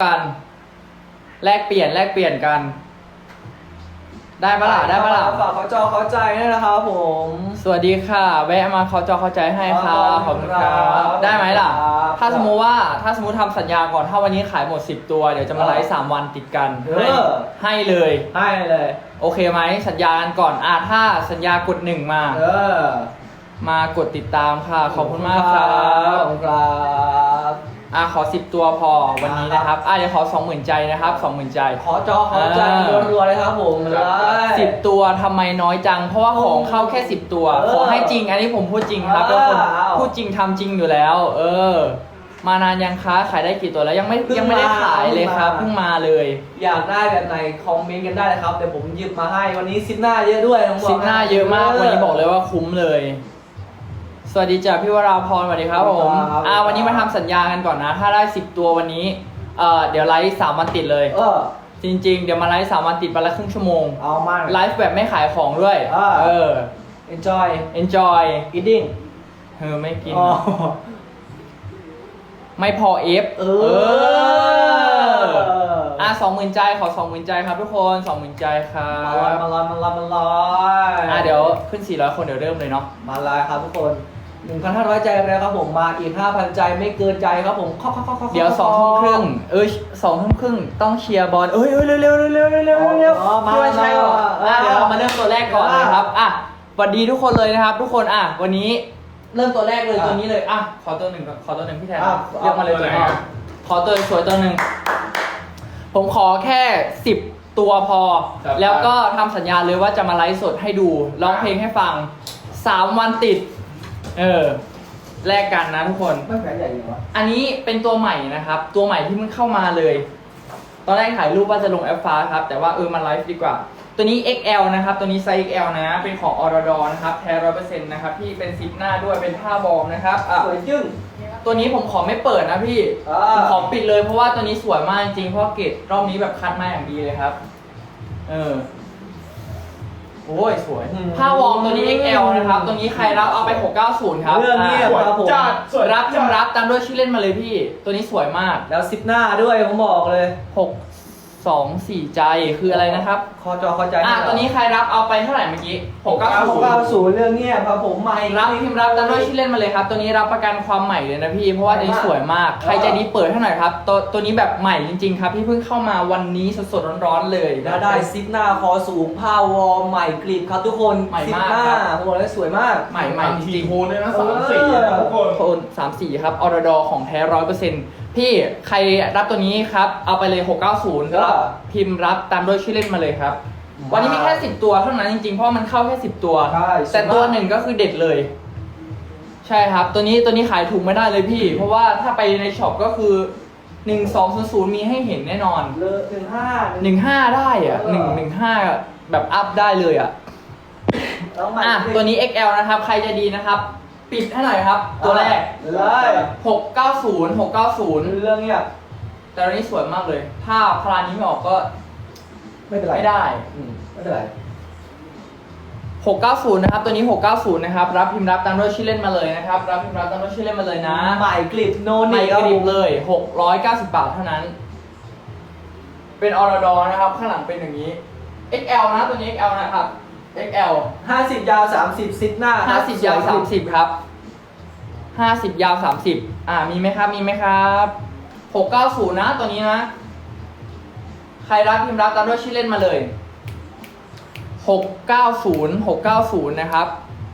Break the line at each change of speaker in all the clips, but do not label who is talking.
กันแลกเปลี่ยนกันได้ปะล่ะ
ฝากเขาจอเขาใจด้วยนะครับผม
สวัสดีค่ะแวะมาเขาจอเข้าใจให้ค่ะขอบคุณครับได้ไหมล่ะถ้าสมมุติทำสัญญาก่อนถ้าวันนี้ขายหมด10ตัวเดี๋ยวจะมาไลฟ์3วันติดกันให้เลยโอเคไหมสัญญากันก่อนถ้าสัญญากด1มากดติดตามค่ะขอบคุณมากครับ
ขอบคุณครับ
ขอ10ตัวพอวันนี้นะครับเดี๋ยวขอ 20,000 ใจนะครับ 20,000 ใจ
ขอจอขอใจรัวๆเลยครับผม
10ตัวทำไมน้อยจังเพราะว่าของเข้าแค่10ตัวขอให้จริงอันนี้ผมพูดจริงครับทุกคนพูดจริงทำจริงอยู่แล้วมานานยังคะขายได้กี่ตัวแล้วยังไม่ได้ขายเลยครับเพิ่งมาเลย
อยากได้แบบไหนคอมเมนต์กันได้เลยครับเดี๋ยวผมหยิบมาให้วันนี้ซิปหน้าเยอะด้วย
ซิปหน้าเยอะมากวันนี้บอกเลยว่าคุ้มเลยสวัสดีจ้ะพี่วราพรสวัสดีครับผมวันนี้มาทำสัญญากันก่อนนะถ้าได้10ตัววันนี้เดี๋ยวไลฟ์3วันติดเลยจริงๆเดี๋ยวมาไลฟ์3วันติดวันละครึ่งชั่วโมง
เอามาก
ไลฟ์แบบไม่ขายของด้วย
enjoy
eating ไม่กินไม่พอ20,000 ใจขอ 20,000 ใจครับทุกคน 20,000 ใจครับ
มาลอย
เดี๋ยวขึ้น400คนเดี๋ยวเริ่มเลยเนาะ
มาลอยครับทุกคน 1,500 ใจแล้วครับผมมาอีก 5,000 ใจไม่เกินใจครับผม
เดี๋ยว2 ทุ่มครึ่ง2 ทุ่มครึ่งต้องเชียร์บอลเร็วพี่วันชัยเดี๋ยวเรามาเริ่มตัวแรกก่อนเลยครับสวัสดีทุกคนเลยนะครับทุกคนวันนี้เริ่มตัวแรกเลยตัวนี้เลยขอตัวหนึ่งพี่แทนเลือกมาเลยตัวนี้ขอตัวสวยตัวหนึ่งผมขอแค่10ตัวพอแล้วก็ทำสัญญาเลยว่าจะมาไลฟ์สดให้ดูร้องเพลงให้ฟัง3วันติดแลกกันนะทุกคน
ไม่แพ้ใหญ่เลยวะ
อันนี้เป็นตัวใหม่นะครับตัวใหม่ที่เพิ่งเข้ามาเลยตอนแรกถ่ายรูปว่าจะลงแอปฟ้าครับแต่ว่ามาไลฟ์ดีกว่าตัวนี้ XL นะครับตัวนี้ไซส์ XL นะเป็นของออร์ดอนะครับแท้ 100% นะครับพี่เป็นซิปหน้าด้วยเป็นผ้าบอมนะครับ
สวยจึ้ง
ตัวนี้ผมขอไม่เปิดนะพี่ผมขอปิดเลยเพราะว่าตัวนี้สวยมากจริงเพราะเกรดรอบนี้แบบคัดมาอย่างดีเลยครับโอ้ยสวยผ้าวอร์มตัวนี้ XL นะครับตัวนี้ใครรับเอาไป690ครับ
เรื่องนี้ครับผม
รับตามด้วยชื่อเล่นมาเลยพี่ตัวนี้สวยมาก
แล้วซิปหน้าด้วยผมบอกเลย
624 ใจคืออะไรนะครับ
คอจอเข้าใจ
ตัวนี้ใครรับเอาไปเท่าไหร่เมื่อกี้
690เรื่องเงี้ยครับผมใหม่
รับพิมพ์รับตามด้วยชื่อเล่นมาเลยครับตัวนี้รับประกันความใหม่เลยนะพี่เพราะว่าตัวนี้สวยมากใครใจดีเปิดให้หน่อยครับตัวนี้แบบใหม่จริงๆครับที่เพิ่งเข้ามาวันนี้สดๆร้อนๆเลย
แล้วได้ซิปหน้าคอสูงผ้าวอร์มใหม่กริบครับทุกคนซิปหน้าผมบอกเลยสวยมาก
ใหม่จริง
ๆโทนเลยนะ3-4นะทุกคน
โทน3-4ครับออร์ดอของแท้ 100%พี่ใครรับตัวนี้ครับเอาไปเลย690แล้วพิมพ์รับตามด้วยชื่อเล่นมาเลยครับวันนี้มีแค่10ตัวเท่านั้นจริงๆเพราะมันเข้าแค่10ตัวแต่ตัวหนึ่งก็คือเด็ดเลยใช่ครับตัวนี้ขายถูกไม่ได้เลยพี่เพราะว่าถ้าไปในช็อปก็คือ1200มีให้เห็นแน่นอน15ได้115แบบอัพได้เลยตัวนี้ XL นะครับใครจะดีนะครับปิดให้หน่อยครับตัวแรก
เลย
690
เรื่องเนี้ย
แต่ตัวนี้สวยมากเลยถ้าพลานี้ไม่ออกก็
ไม่เป็นไร
ไม่ได้
ไม่เป็นไร
690นะครับตัวนี้690นะครับรับพิมพ์รับตามด้วยชื่อเล่นมาเลยนะครับรับพิมพ์รับตามด้วยชื่อเล่นมาเลยนะ
ใหม่กริบโนนี่
ใหม่กริบเลย690 บาทเท่านั้นเป็นออร์ดอนะครับข้างหลังเป็นอย่างนี้ XL นะตัวนี้ XL นะครับ XL
50ยาว30ซิปหน้า
50ยาว30ครับ50ยาว30มีไหมครับ690นะตัวนี้นะใครรับพิมพ์รับตามด้วยชื่อเล่นมาเลย690นะครับ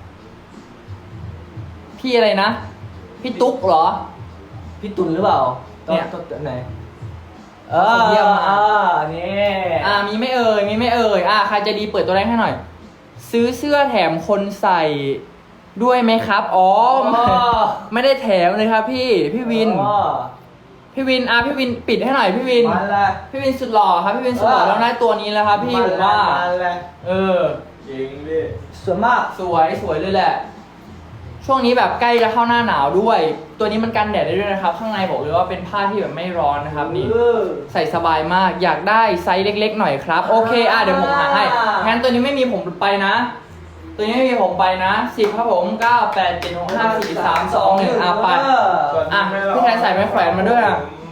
พี่อะไรนะพี่ตุ๊กเหรอ
พี่ตุลหรือเปล่า
เนี่ย
ตัวไหน
เยี่ยม
นี่
มีไม่เอ่ยใครจะดีเปิดตัวแรกให้หน่อยซื้อเสื้อแถมคนใส่ด้วยไหมครับไม่ได้แถมเลยครับพี่วินพี่วินปิดให้หน่อยพี่วินสุดหล่อครับพี่วินสุดหล่อแล้วได้ตัวนี้แล้วครับพี่ผมว่า
จริงดิสวยมาก
สวยเลยแหละช่วงนี้แบบใกล้จะเข้าหน้าหนาวด้วยตัวนี้มันกันแดดได้ด้วยนะครับข้างในบอกเลยว่าเป็นผ้าที่แบบไม่ร้อนนะครับนี่ใส่สบายมากอยากได้ไซส์เล็กๆหน่อยครับโอเคเดี๋ยวผมหาให้งั้นตัวนี้ไม่มีผมไปนะตัวนี้ไม่มีผมไปนะ10ครับผม9 8 7 6 5 4 3 2 1ไปพี่แทนใส่ไม้แขวนมาด้วยใ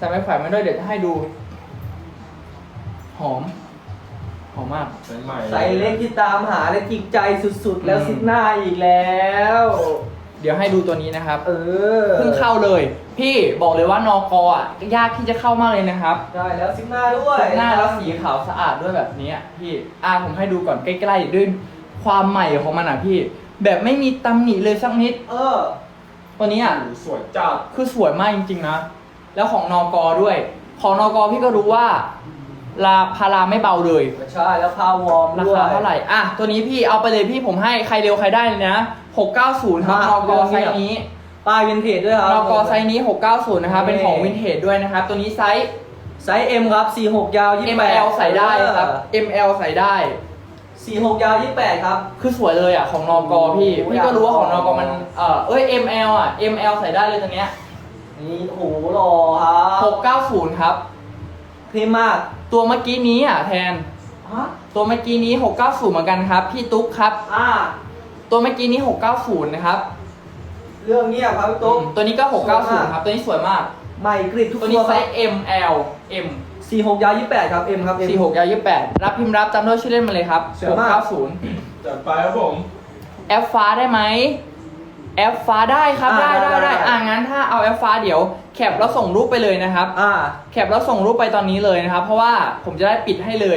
ส่ไม้แขวนมาด้วยเดี๋ยวจะให้ดู หอมมาก
ใส่ใหม่
ใส่เล็กที่ตามหาและจิกใจสุดๆ แล้วซิกหน้าอีกแล้ว
เดี๋ยวให้ดูตัวนี้นะครับ
เออ
เพิ่งเข้าเลย พี่บอกเลยว่านกอ่ะยากที่จะเข้ามากเลยนะครับ
ได้แล้วซิกหน้าด้วย
หน้าแล้วสีขาวสะอาดด้วยแบบนี้พี่ผมให้ดูก่อนใกล้ๆด้วยความใหม่ของมันอ่ะพี่ แบบไม่มีตำหนิเลยสักนิด ตัวนี้อ่ะ
สวยจัด
คือสวยมากจริงๆนะ แล้วของนกด้วย ของนกพี่ก็รู้ว่าพาราไม่เบาเลย
ใช่แล้วพาวอร์ม
รา
ด้วย
คาเท่าไหร่ตัวนี้พี่เอาไปเลยพี่ผมให้ใครเร็วใครได้เลยนะ690ครับนกไซส์นี้
ป้ายวินเทจด้วยครับ
นกไซส์นี้690นะครับเป็นของวินเทจด้วยนะครับตัวนี้ไซส์
ไซส์ M ครับ46ยาว28
ML ใส่ได้ครับ ML ใส่ได้
46ยาว28ครับ
คือสวยเลยอ่ะของนกพี่
โอ้โห
พี่ก็รู้ว่าของนกมันML อ่ะ ML ใส่ได้เลยตัวเนี้ย
นี่โหหล่อครับ
690ครับ
เท่มาก
ตัวเมื่อกี้นี้แทน
ฮะ
ตัวเมื่อกี้นี้690เหมือนกันครับพี่ตุ๊กครับ ตัวเมื่อกี้นี้690นะครับ
เรื่องเงียบครับพี่ตุ๊ก
ตัวนี้ก็
สวยมาก
690ครับตัวนี้สวยมาก
ใหม่กริบทุก
ตัว
ตั
นี้
ว
ไซ
ครับ
ส์ ML M
46ยาว28ครับ M ครับ M
46ยาว28รับพิมพ์รับจำด้วยชื่อเล่นมาเลยครับ
สวยมาก
690
จัดไปครับผม
แอปฟ้าได้ไหมแอปฟ้าได้ครับได้งั้นถ้าเอาแอปฟ้าเดี๋ยวแคปแล้วส่งรูปไปเลยนะครับแคปแล้วส่งรูปไปตอนนี้เลยนะครับ เพราะว่าผมจะได้ปิดให้เลย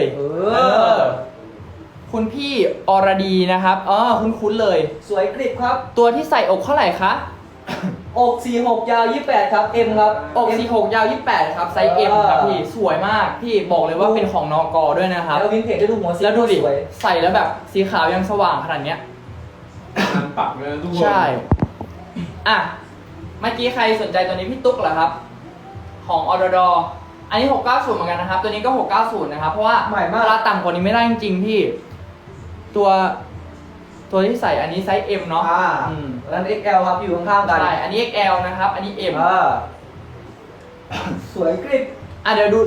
คุณพี่อรดีนะครับคุ้นๆเลย
สวยกริบครับ
ตัวที่ใส่อกเท่าไหร่คะ
อก46ยาว28ครับ M ครับ
อก46ยาว28ครับไซส์ M ครับพี่สวยมากพี่บอกเลยว่าเป็นของนกด้วยนะครับ
แล้ววินเทจได้ดูหัวสี
แล้วดูดิ
สวย
ใส่แล้วแบบสีขาวยังสว่างขนาดเนี้ย
งานปักเลยนะทุกคน
ใช่เมื่อกี้ใครสนใจตัวนี้พี่ตุ๊กเหรอครับ ของออดออันนี้690เหมือนกันนะครับ ตัวนี้ก็690นะครับ เพราะว่า
ใหม่มาก
เวลาต่ำกว่านี้ไม่ได้จริงๆพี่ ตัวที่ใส่อันนี้ไซส์ M เนาะ
แล้ว XL ครับอยู่ข้างๆกัน
ใช่อันนี้ XL นะครับ อันนี้ M
สวยกริบ
เดี๋ยวดู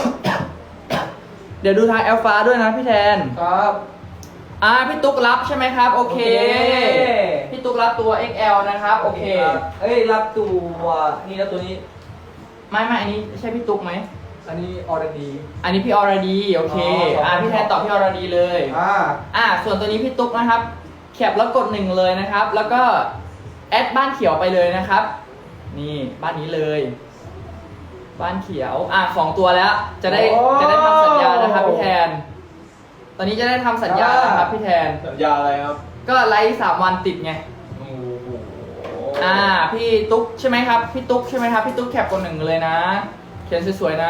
เดี๋ยวดูทางแอลฟ้าด้วยนะพี่แทน
ครับ
พี่ตุ๊กรับใช่ไหมครับ โอเค พี่ตุ๊กรับตัว XL นะครับ โอเค
เอ้ยรับตัวนี่แล้วตัวนี้
ไม่อันนี้ใช่พี่ตุ๊กไหม
อันนี้ออร์ดี
อันนี้พี่อรดีโอเค พี่แทนตอบพี่อรดีเลย ส่วนตัวนี้พี่ตุ๊กนะครับ แคปแล้วกด1เลยนะครับ แล้วก็แอดบ้านเขียวไปเลยนะครับ นี่บ้านนี้เลย บ้านเขียว2ตัวแล้ว จะได้ทำสัญญานะครับพี่แทน ตอนนี้จะได้ทำสัญญานะครับพี่แทน
สัญญาอะไรครับ
ก็ไลฟ์3 วันติดไง
โอ้โห
พี่ตุ๊กใช่ไหมครับ พี่ตุ๊กใช่ไหมครับ พี่ตุ๊กแคปกด1เลยนะ เขียนสวยๆนะ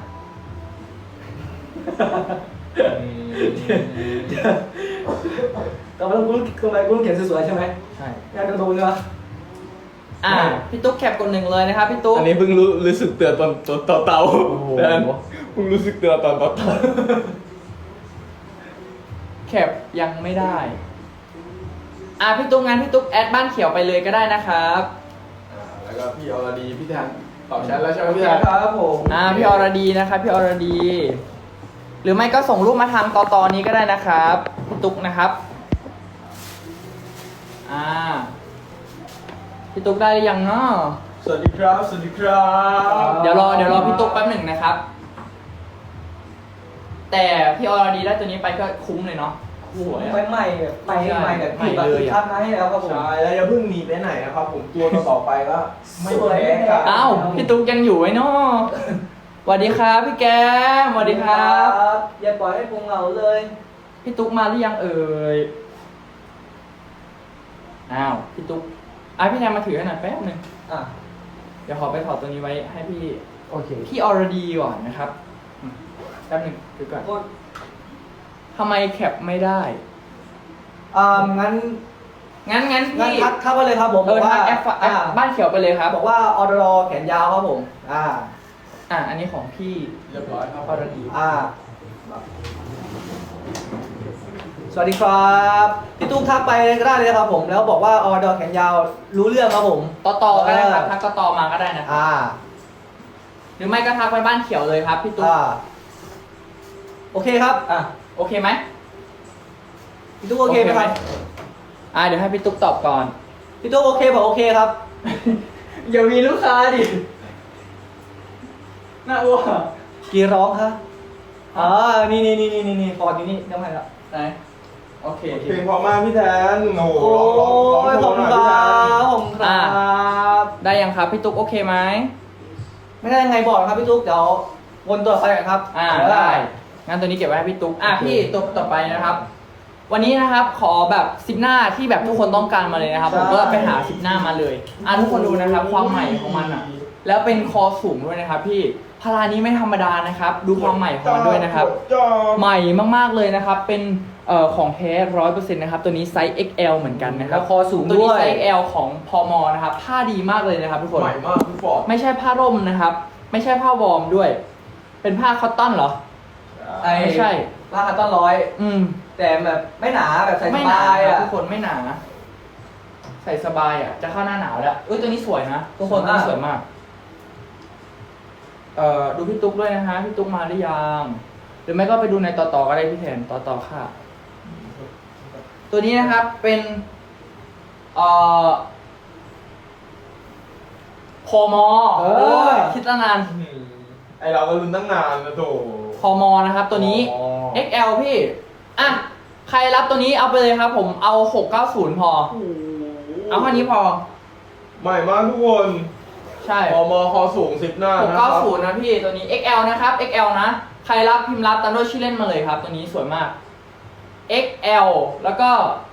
ก็ไม่ต้องกุ้งเขียนสวยๆใช่ไหม
ใช่
งานกระโดดเนาะ
พี่ตุ๊กแคปกด1เลยนะครับพี่ตุ๊ก
อันนี้เพิ่งรู้สึกเตือนตอนเตา
โอ้โห
แทนเพิ่งรู้สึกเตือนตอนเตา
แคปยังไม่ได้ พี่ตุ๊กงั้นพี่ตุ๊กแอดบ้านเขียวไปเลยก็ได้นะครับ
แล้วก็พี่อรดีพี่แทนตอบแชทแล้วใช่ไหมพี่แทน
ครับผม
พี่อรดีนะครับพี่อรดี หรือไม่ก็ส่งรูปมาทางตอนนี้ก็ได้นะครับพี่ตุ๊กนะครับพี่ตุ๊กได้หรือยังเนาะ
สวัสดีครับสวัสดีครับ
เดี๋ยวรอพี่ตุ๊กแป๊บหนึ่งนะครับ แต่พี่อรดีได้ตัวนี้ไปก็คุ้มเลยเนาะสวย
ใหม่แบบใหม่แบบ
ใหม่
แบบ
เลยอะ
ทักมาให้แล้วครับผม
ใช่แล้วอย่าเพิ่งหนีไปไหนนะครับผมตัวต่อไปก็ไม่แพ้กัน
พี่ตุ๊กยังอยู่ไว้เนาะสวัสดีครับพี่แกมสวัสดีครับ
อย่าปล่อยให้พุงเราเลย
พี่ตุ๊กมาหรือยังเอ่ยพี่ตุ๊กพี่แทนมาถือให้หน่อยแป๊บหนึงเดี๋ยวขอไปถอดตัวนี้ไว้ให้พี่
โอเค
พี่อรดีก่อนนะครับแป๊บหนึงดูก่อนทำไมแคปไม่ได้
งั้น
งั้นพี่
ทักมาเลยครับผมบอกว่า
ทักแอปบ้านเขียวไปเลยครับ
บอกว่าออดอแขนยาวครับผม
อันนี้ของพี่
เรียบร้อยครับ
อรดี
สวัสดีครับพี่ตุ๊กทักไปก็ได้เลยครับผมแล้วบอกว่าออดอแขนยาวรู้เรื่องครับผม
ต่อก็ได้ครับทักต่อมาก็ได้นะครับหรือไม่ก็ทักไปบ้านเขียวเลยครับพี่ตุ๊ก
โอเคครับ
โอเคไหม
พี่ตุ๊กโอเคไหมครับ
เดี๋ยวให้พี่ตุ๊กตอบก่อน
พี่ตุ๊กโอเคบอกโอเคครับ
อย่ามีลูกค้าดิหน้าอ้วก
กี่ร้องคะนี่ฟอร์ดอยู่นี่น้ำมันละ
ไหนโอเค
เพลงพอมากพี่แทนโอ้โห
โอ้
ร้อง
ย
โช
ขอบ
ว์ห
คุ
น่
ณ
อย
ค
พี่
รั
แทน
บผมครับ
ได้ยังครับพี่ตุ๊กโอเคไหม
ไม่ได้ยังไงบอกนะครับพี่ตุ๊กเดี๋ยววนตัวไปกันครับ
ได้งั้นตัวนี้เก็บไว้ให้พี่ตุ๊กพี่ตุ๊กต่อไปนะครับ วันนี้นะครับขอแบบซิปหน้าที่แบบทุกคนต้องการมาเลยนะครับผมก็ไปหาซิปหน้ามาเลยทุกคนดูนะครับความใหม่ของมันอ่ะแล้วเป็นคอสูงด้วยนะครับพี่พารานี้ไม่ธรรมดานะครับดูความใหม่ของมันด้วยนะครับใหม่มากๆเลยนะครับเป็นของแท้100%นะครับตัวนี้ไซส์ XL เหมือนกันนะครั
แล้
บ
วคอสูง
ตัว
ด้
นี้
วย
ไซส์ XL ของพมนะครับผ้าดีมากเลยนะครับทุกคน
ใหม่มากพี่ฟอร์ด
ไม่ใช่ผ้าร่มนะครับ ไม่ใช่ผ้าวอร์มด้วย เป็นผ้าคอตตอนเหรอไม่ใช่
ราคาต้นร้อย แต่แบบไม่หนาแบบใส่ส
ไม่หนา
บาย
ครับ
อ่ะ
ทุกคนไม่หนา ใส่สบายอ่ะจะเข้าหน้าหนาวแล้วตัวนี้สวยนะทุกคน
สวยมาก
ตัวนี้สวยมากดูพี่ตุ๊กด้วยนะฮะพี่ตุ๊กมาหรือยังหรือไม่ก็ไปดูในต่อก็ได้พี่แทนต่อค่ะ ตัวนี้นะครับเป็นพมโอ้ยคิดตั้งนาน
ไอเราก็ลุ้นตั้งนานนะโถ
พมนะครับ ตัวนี้
อ๋อ
XL พี่ใครรับตัวนี้เอาไปเลยครับ ผมเอา690พอ เอาแค่นี้พอ
ใหม่มากทุกคน
ใช่
พอมอคอสูง10หน้านะครับ
690นะพี่ตัวนี้ XL นะครับ XL นะ ใครรับพิมพ์รับตามด้วยชื่อเล่นมาเลยครับ ตัวนี้สวยมาก XL แล้วก็